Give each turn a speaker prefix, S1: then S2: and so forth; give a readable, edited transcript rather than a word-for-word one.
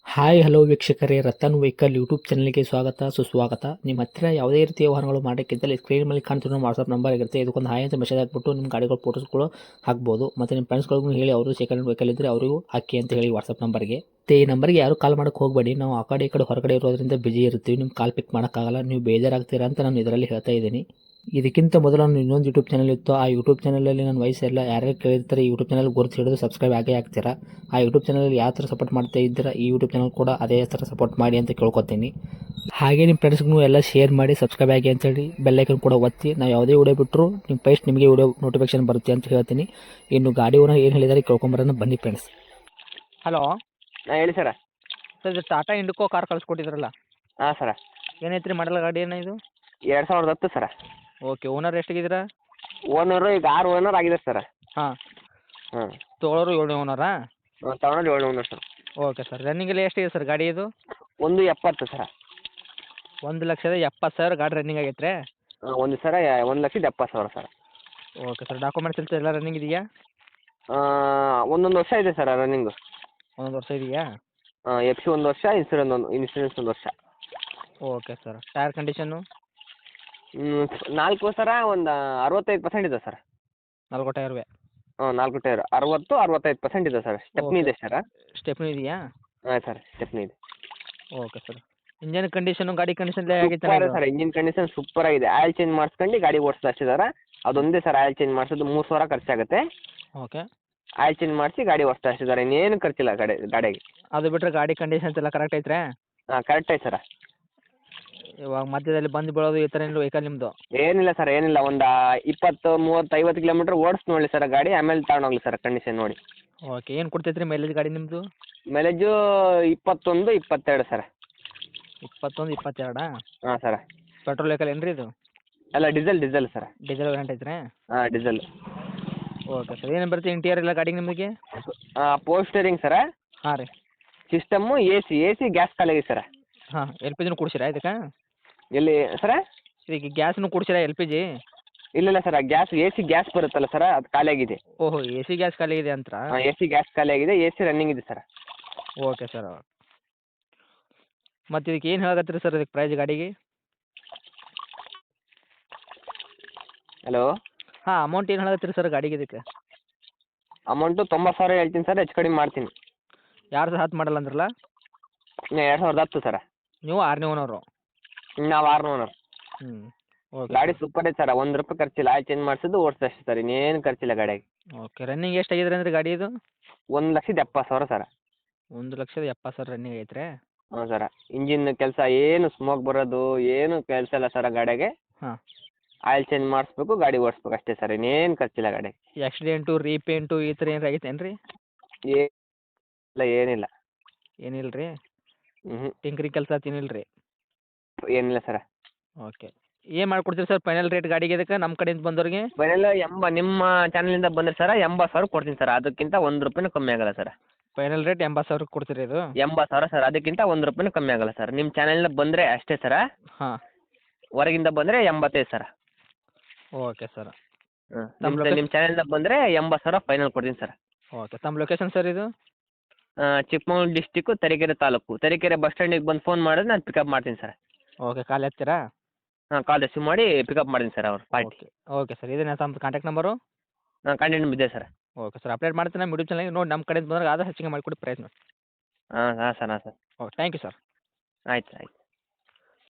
S1: Hi hello ವೀಕ್ಷಕರೇ, Ratan vehicle YouTube ಚಾನಲ್ಗೆ ಸ್ವಾಗತ ಸುಸ್ವಾಗತ. ನಿಮ್ಮ ಹತ್ತಿರ ಯಾವುದೇ ರೀತಿಯ ವಾಹನಗಳು ಮಾಡೋಕ್ಕಿದ್ದಲ್ಲಿ ಸ್ಕ್ರೀನ್ ಮೇಲೆ ಕಾಣ್ತಿರೋ ವಾಟ್ಸಪ್ ನಂಬರ್ ಇರುತ್ತೆ. ಇದಕ್ಕೊಂದು ಹಾಯ್ ಅಂತ ಮೆಸೇಜ್ ಹಾಕ್ಬಿಟ್ಟು ನಿಮ್ಮ ಗಾಡಿಗಳ ಫೋಟೋಸ್ಗಳು ಹಾಕ್ಬೋದು. ಮತ್ತು ನಿಮ್ಮ ಫ್ರೆಂಡ್ಸ್ಗಳಿಗೂ ಹೇಳಿ ಅವರು ಸೆಕೆಂಡ್ ವೆಹಿಕಲ್ ಇದ್ದರೆ ಅವರಿಗೂ ಹಾಕಿ ಅಂತ ಹೇಳಿ ವಾಟ್ಸಪ್ ನಂಬರ್ಗೆ. ಈ ನಂಬರ್ಗೆ ಯಾರು ಕಾಲ್ ಮಾಡೋಕ್ಕೆ ಹೋಗಬೇಡಿ. ನಾವು ಆ ಕಡೆ ಈ ಕಡೆ ಹೊರಗಡೆ ಇರೋದ್ರಿಂದ ಬಿಜಿ ಇರ್ತೀವಿ. ನಿಮ್ಮ ಕಾಲ್ ಪಿಕ್ ಮಾಡೋಕ್ಕಾಗಲ್ಲ, ನೀವು ಬೇಜಾರಾಗ್ತೀರಾ ಅಂತ ನಾನು ಇದರಲ್ಲಿ ಹೇಳ್ತಾ ಇದ್ದೀನಿ. ಇದಕ್ಕಿಂತ ಮೊದಲು ನಾನು ಇನ್ನೊಂದು ಯೂಟ್ಯೂಬ್ ಚಾನಲ್ ಇತ್ತು. ಆ ಯೂಟ್ಯೂಬ್ ಚಾನಲಲ್ಲಿ ನನ್ನ ವಯಸ್ಸೆಲ್ಲ ಯಾರ್ಯಾರು ಕೇಳಿರ್ತಾರೆ ಈ ಯೂಟ್ಯೂಬ್ ಚಾನಲ್ ಗುರುತು ಹಿಡಿದು ಸಬ್ಸ್ಕ್ರೈಬ್ ಆಗೇ ಆಗ್ತೀರಾ. ಆ ಯೂಟ್ಯೂಬ್ ಚಾನಲಲ್ಲಿ ಯಾವ ಥರ ಸಪೋರ್ಟ್ ಮಾಡ್ತಾ ಇದ್ದೀರಾ ಈ ಯೂಟ್ಯೂಬ್ ಚಾನಲ್ ಕೂಡ ಅದೇ ಥರ ಸಪೋರ್ಟ್ ಮಾಡಿ ಅಂತ ಕೇಳ್ಕೊತೀನಿ. ಹಾಗೆ ನಿಮ್ಮ ಫ್ರೆಂಡ್ಸ್ಗೂ ಎಲ್ಲ ಶೇರ್ ಮಾಡಿ, ಸಬ್ಸ್ಕ್ರೈಬ್ ಆಗಿ ಅಂತೇಳಿ ಬೆಲ್ಲೈಕನ್ ಕೂಡ ಒತ್ತಿ. ನಾವು ಯಾವುದೇ ವಿಡಿಯೋ ಬಿಟ್ಟರು ನಿಮ್ಮ ಫಸ್ಟ್ ನಿಮಗೆ ವಿಡಿಯೋ ನೋಟಿಫಿಕೇಶನ್ ಬರುತ್ತೆ ಅಂತ ಹೇಳ್ತೀನಿ. ಇನ್ನು ಗಾಡಿ ಓನರ್ ಏನು ಹೇಳಿದಾರೆ ಕೇಳ್ಕೊಂಬರೋಣ ಬನ್ನಿ ಫ್ರೆಂಡ್ಸ್.
S2: ಹಲೋ
S3: ಹೇಳಿ ಸರ.
S2: ಸರ್ ಇದು ಟಾಟಾ ಇಂಡಿಕೋ ಕಾರ್ ಕಳಿಸ್ಕೊಟ್ಟಿದ್ರಲ್ಲ,
S3: ಹಾಂ ಸರ.
S2: ಏನೈತ್ರಿ ಮಾಡಲ್ ಗಾಡಿ ಏನ ಇದು?
S3: 2010 ಸರ.
S2: ಓಕೆ, ಓನರ್ ಎಷ್ಟಾಗಿದ್ದೀರಾ?
S3: ಓನರು ಈಗ 6 ಓನರ್ ಆಗಿದೆ ಸರ್.
S2: ಹಾಂ,
S3: ಹಾಂ,
S2: ತೊಗೊಳೋರು 7ನೇ ಓನರಾ?
S3: ತಗೊಂಡು 7 ಓನರ್ ಸರ್.
S2: ಓಕೆ ಸರ್, ರನ್ನಿಂಗಲ್ಲಿ ಎಷ್ಟಿದೆ ಸರ್ ಗಾಡಿ ಇದು?
S3: 170 ಸರ.
S2: 1,70,000 ಗಾಡಿ ರನ್ನಿಂಗ್ ಆಗೈತೆ ರೀ?
S3: ಒಂದು sir 1,70,000 sir.
S2: Okay sir, documents ಎಲ್ಲ ರನ್ನಿಂಗ್ ಇದೆಯಾ?
S3: ಒಂದೊಂದು ವರ್ಷ ಇದೆ ಸರ್ ರನ್ನಿಂಗು.
S2: ಒಂದೊಂದು ವರ್ಷ ಇದೆಯಾ?
S3: ಎಫ್ ಸಿ 1 ವರ್ಷ, ಇನ್ಸೂರೆನ್ಸ್ 1 ವರ್ಷ.
S2: ಓಕೆ ಸರ್, ಟೈರ್ ಕಂಡೀಷನ್ನು?
S3: 4 ಸರ ಒಂದು 65% ಇದೆ ಸರ್.
S2: 4 ಟೈರ್ವೆ?
S3: 4 ಟೈರ್ 60-65% ಇದೆ ಸರ್. ಸ್ಟೆಪ್ನಿ ಇದೆ ಸರ್.
S2: ಸ್ಟೆಪ್ನಿ ಇದೆಯಾ?
S3: ಹಾಂ ಸರ್, ಸ್ಟೆಪ್ನಿ ಇದೆ.
S2: ಓಕೆ ಸರ್, ಇಂಜನ್ ಕಂಡೀಷನು ಗಾಡಿ ಕಂಡೀಷನ್ ಆಗೈತೆ
S3: super sir. Engine condition super ಆಗಿದೆ. ಆಯಿಲ್ ಚೇಂಜ್ ಮಾಡಿಸ್ಕೊಂಡು ಗಾಡಿ ಓಡಿಸೋದು ಅಷ್ಟೇ ಸರ್. ಅದೊಂದೇ ಸರ್ ಆಯಿಲ್ ಚೇಂಜ್ ಮಾಡಿಸೋದು 3,000 ಖರ್ಚಾಗುತ್ತೆ.
S2: ಓಕೆ,
S3: ಆಯಿಲ್ ಚೇಂಜ್ ಮಾಡಿಸಿ ಗಾಡಿ ಓಡಿಸ್ತಾ ಅಷ್ಟೇ ಸರ್. ಇನ್ನೇನು ಖರ್ಚಿಲ್ಲ ಗಾಡಿಗೆ.
S2: ಅದು ಬಿಟ್ಟರೆ ಗಾಡಿ ಕಂಡೀಷನ್ಸ್ ಎಲ್ಲ ಕರೆಕ್ಟ್ ಐತ್ರಾ?
S3: ಹಾಂ, ಕರೆಕ್ಟ್ ಐತೆ ಸರ್.
S2: ಇವಾಗ ಮಧ್ಯದಲ್ಲಿ ಬಂದು ಬೀಳೋದು ಈ ಥರ ಏನು ವೆಹಿಕಲ್ ನಿಮ್ಮದು?
S3: ಏನಿಲ್ಲ ಸರ್, ಏನಿಲ್ಲ. ಒಂದು 20, 30, 50 ಕಿಲೋಮೀಟ್ರ್ ಓಡಿಸಿ ನೋಡಿ ಸರ್ ಗಾಡಿ, ಆಮೇಲೆ ತಗೊಂಡೋಗ್ಲಿ ಸರ್ ಕಂಡೀಷನ್ ನೋಡಿ.
S2: ಓಕೆ, ಏನು ಕೊಡ್ತೈತೆ ರೀ ಮೈಲೇಜ್ ಗಾಡಿ ನಿಮ್ಮದು?
S3: Mileage 21, 22 sir.
S2: 21, 22?
S3: ಹಾಂ ಸರ್.
S2: ಪೆಟ್ರೋಲ್ ವೆಹಿಕಲ್ ಏನು ರೀ ಇದು?
S3: ಅಲ್ಲ, ಡೀಸೆಲ್ ಸರ್.
S2: ಡೀಸೆಲ್ ವೇರಿಯಂಟ್ ಐತ್ರಿ?
S3: ಹಾಂ, ಡೀಸೆಲ್.
S2: ಓಕೆ ಸರ್, ಏನೇನು ಬರುತ್ತೆ ಇಂಟೀರಿಯರ್ ಎಲ್ಲ ಗಾಡಿಗೆ ನಿಮಗೆ?
S3: Power steering sir.
S2: ಹಾಂ ರೀ.
S3: ಸಿಸ್ಟಮ್ಮು ಎ ಸಿ ಗ್ಯಾಸ್ ಖಾಲಿ ಸರ್.
S2: ಹಾಂ, ಎಲ್ ಪಿ ಜಿನೂ ಕೊಡ್ಸಿರಾ ಇದಕ್ಕೆ?
S3: ಎಲ್ಲಿ ಸರ?
S2: ಈಗ ಗ್ಯಾಸ್ನು ಕೊಡ್ಸಿರಾ ಎಲ್ ಪಿ ಜಿ?
S3: ಇಲ್ಲ ಸರ್, ಎ ಸಿ ಗ್ಯಾಸ್ ಬರುತ್ತಲ್ಲ ಸರ್, ಅದು ಖಾಲಿ ಆಗಿದೆ.
S2: ಓಹೋ, ಎ ಸಿ ಗ್ಯಾಸ್ ಖಾಲಿ ಇದೆ ಅಂತ?
S3: ಹಾಂ, ಎ ಸಿ ಗ್ಯಾಸ್ ಖಾಲಿ ಆಗಿದೆ. ಎ ಸಿ ರನ್ನಿಂಗ್ ಇದೆ ಸರ್.
S2: Okay sir. ಮತ್ತು ಇದಕ್ಕೆ ಏನು ಹೇಳಕತ್ತೀರಿ ಸರ್ ಇದಕ್ಕೆ ಪ್ರೈಸ್ ಗಾಡಿಗೆ?
S3: ಹಲೋ.
S2: ಹಾಂ, ಅಮೌಂಟ್ ಏನು ಹೇಳಕತ್ತೀರಿ ಸರ್ ಗಾಡಿಗೆ ಇದಕ್ಕೆ?
S3: ಅಮೌಂಟು 90,000 ಹೇಳ್ತೀನಿ ಸರ್, ಹೆಚ್ಚು ಕಡಿಮೆ ಮಾಡ್ತೀನಿ.
S2: 2010 ಮಾಡಲ್ಲ ಅಂದ್ರಲ್ಲ?
S3: 2010 ಸರ.
S2: ನೀವು 6ನೇ ಓನರು?
S3: ನಾವು 6 ಓನರ್.
S2: ಹ್ಞೂ. ಓಕೆ
S3: ಗಾಡಿ ಸೂಪರ್ ಐತೆ ಸರ್. ₹1 ಖರ್ಚಿಲ್ಲ. ಆಯಿಲ್ ಚೇಂಜ್ ಮಾಡಿಸೋದು ಓಡಿಸೋದು ಅಷ್ಟೇ ಸರ್, ಇನ್ನೇನು ಖರ್ಚಿಲ್ಲ ಗಾಡಿಯಾಗೆ.
S2: ಓಕೆ, ರನ್ನಿಂಗ್ ಎಷ್ಟಾಗಿದ್ರೆ ಅಂದ್ರೆ ಗಾಡಿ ಇದು?
S3: 1,70,000 ಸರ್.
S2: 1,70,000 ರನ್ನಿಂಗ್ ಐತ್ರಿ?
S3: ಹ್ಞೂ ಸರ. ಇಂಜಿನ್ ಕೆಲಸ ಏನು ಸ್ಮೋಕ್ ಬರೋದು ಏನು ಕೆಲಸ ಇಲ್ಲ ಸರ್ ಗಾಡಿಯಾಗೆ.
S2: ಹಾಂ.
S3: ಆಯಿಲ್ ಚೇಂಜ್ ಮಾಡಿಸ್ಬೇಕು, ಗಾಡಿ ಓಡಿಸ್ಬೇಕು ಅಷ್ಟೇ ಸರ್, ಇನ್ನೇನು ಖರ್ಚಿಲ್ಲ ಗಾಡಿಗೆ.
S2: ಆಕ್ಸಿಡೆಂಟು, ರೀಪೇಂಟು ಈ ಥರ ಏನಾರು ಆಗೈತೇನು ರೀ?
S3: ಏನಿಲ್ಲ.
S2: ಏನಿಲ್ಲ ರೀ?
S3: ಹ್ಞೂ,
S2: ಟಿಂಕ್ರಿಂಗ್ ಕೆಲಸ ಏನಿಲ್ಲ ರೀ?
S3: ಏನಿಲ್ಲ ಸರ.
S2: ಓಕೆ, ಏನು ಮಾಡ್ಕೊಡ್ತೀರಿ ಸರ್ ಫೈನಲ್ ರೇಟ್ ಗಾಡಿಗೆ ಇದಕ್ಕೆ ನಮ್ಮ ಕಡೆಯಿಂದ ಬಂದವ್ರಿಗೆ?
S3: ಫೈನಲ್ ನಿಮ್ಮ ಚಾನಲಿಂದ ಬಂದರೆ ಸರ 80,000 ಕೊಡ್ತೀನಿ ಸರ್. ಅದಕ್ಕಿಂತ ₹1 ಕಮ್ಮಿ ಆಗಲ್ಲ ಸರ್.
S2: ಫೈನಲ್ ರೇಟ್ 80,000 ಕೊಡ್ತೀರಿ ಇದು?
S3: 80,000 ಸರ್, ಅದಕ್ಕಿಂತ ₹1 ಕಮ್ಮಿ ಆಗಲ್ಲ ಸರ್. ನಿಮ್ಮ ಚಾನಲಿಂದ ಬಂದರೆ ಅಷ್ಟೇ ಸರ.
S2: ಹಾಂ.
S3: ಹೊರಗಿಂದ ಬಂದರೆ 85 ಸರ್.
S2: Okay sir.
S3: ನಿಮ್ಮ ಚಾನಲಿಂದ ಬಂದರೆ 80,000 ಫೈನಲ್ ಕೊಡ್ತೀನಿ ಸರ್.
S2: ಓಕೆ, ತಮ್ಮ ಲೊಕೇಶನ್ ಸರ್ ಇದು?
S3: ಚಿಕ್ಕಮಗಳೂರು ಡಿಸ್ಟಿಕ್ಕು, ತರೀಕೆರೆ ತಾಲೂಕು. ತರೀಕೆರೆ ಬಸ್ ಸ್ಟ್ಯಾಂಡಿಗೆ ಬಂದು ಫೋನ್ ಮಾಡಿದ್ರೆ ನಾನು ಪಿಕಪ್ ಮಾಡ್ತೀನಿ ಸರ್.
S2: ಓಕೆ, ಕಾಲ್ ಎತ್ತೀರಾ?
S3: ಹಾಂ, ಕಾಲ್ ರಿಸೀವ್ ಮಾಡಿ ಪಿಕಪ್ ಮಾಡ್ತೀನಿ ಸರ್ ಅವ್ರು ಪಾರ್ಟಿ.
S2: ಓಕೆ. ಓಕೆ ಸರ್, ಇದೇನಾ ತಮ್ಮ ಕಾಂಟ್ಯಾಕ್ಟ್ ನಂಬರು?
S3: ಹಾಂ, ಕಂಟಿನ್ಯೂ ಇದೆ ಸರ್.
S2: ಓಕೆ ಸರ್, ಅಪ್ಡೇಟ್ ಮಾಡ್ತೀನಿ ನಮ್ಮ ಯೂಟ್ಯೂಬ್ ಚಾನಲ್ಗೆ. ನೋಡಿ ನಮ್ಮ ಕಡೆಯಿಂದ ಬಂದಾಗ ಆದಷ್ಟು ಹೆಚ್ಚಿಗೆ ಮಾಡಿಕೊಡಿ ಪ್ರಯತ್ನ.
S3: ಹಾಂ sir.
S2: Okay, thank you sir.
S3: ಆಯ್ತು.